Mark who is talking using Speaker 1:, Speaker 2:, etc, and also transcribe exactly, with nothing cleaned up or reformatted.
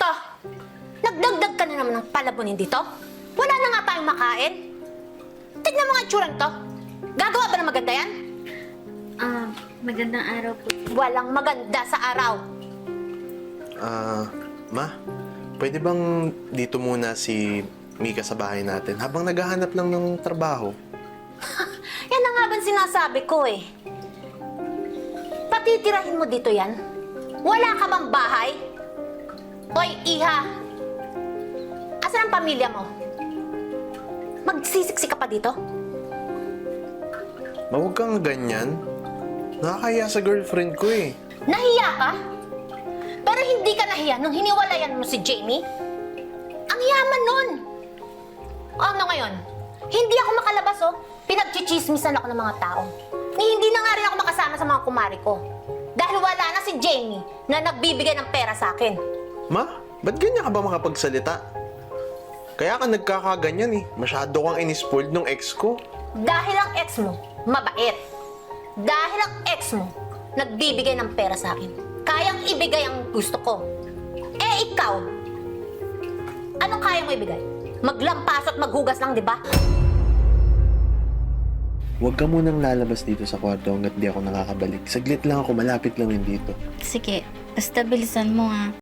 Speaker 1: Ito, nagdagdag ka na naman ng palabonin dito? Wala na nga tayong makain. Tignan mo nga itsura nito. Gagawa ba ng maganda yan?
Speaker 2: Ah, magandang araw po.
Speaker 1: Walang maganda sa araw.
Speaker 3: Ah, Ma, pwede bang dito muna si Mika sa bahay natin habang naghahanap lang ng trabaho?
Speaker 1: Yan na nga ba sinasabi ko eh. Patitirahin mo dito yan? Wala ka bang bahay? Hoy, Iha! Asan ang pamilya mo? Magsisiksi ka pa dito?
Speaker 3: Ma, huwag kang ganyan. Nakakaya sa girlfriend ko eh.
Speaker 1: Nahiya ka? Pero hindi ka nahiya nung hiniwalayan mo si Jamie? Ang yaman nun! O ano ngayon? Hindi ako makalabas oh. Pinagchichismisan ako ng mga tao. Ni hindi na nga rin ako makasama sa mga kumari ko. Dahil wala na si Jamie na nagbibigay ng pera sa akin.
Speaker 3: Ma, ba't ganyan ka ba makapagsalita? Kaya ka nagkakaganyan eh. Masyado kang inispoiled nung ex ko.
Speaker 1: Dahil ang ex mo, mabait. Dahil ang ex mo, nagbibigay ng pera sa akin. Kayang ibigay ang gusto ko. Eh ikaw, anong kaya mo ibigay? Maglampaso at maghugas lang, di ba?
Speaker 3: Huwag ka munang lalabas dito sa kwarto hanggat di ako nakakabalik. Saglit lang ako, malapit lang yun dito.
Speaker 2: Sige, basta bilisan mo ha.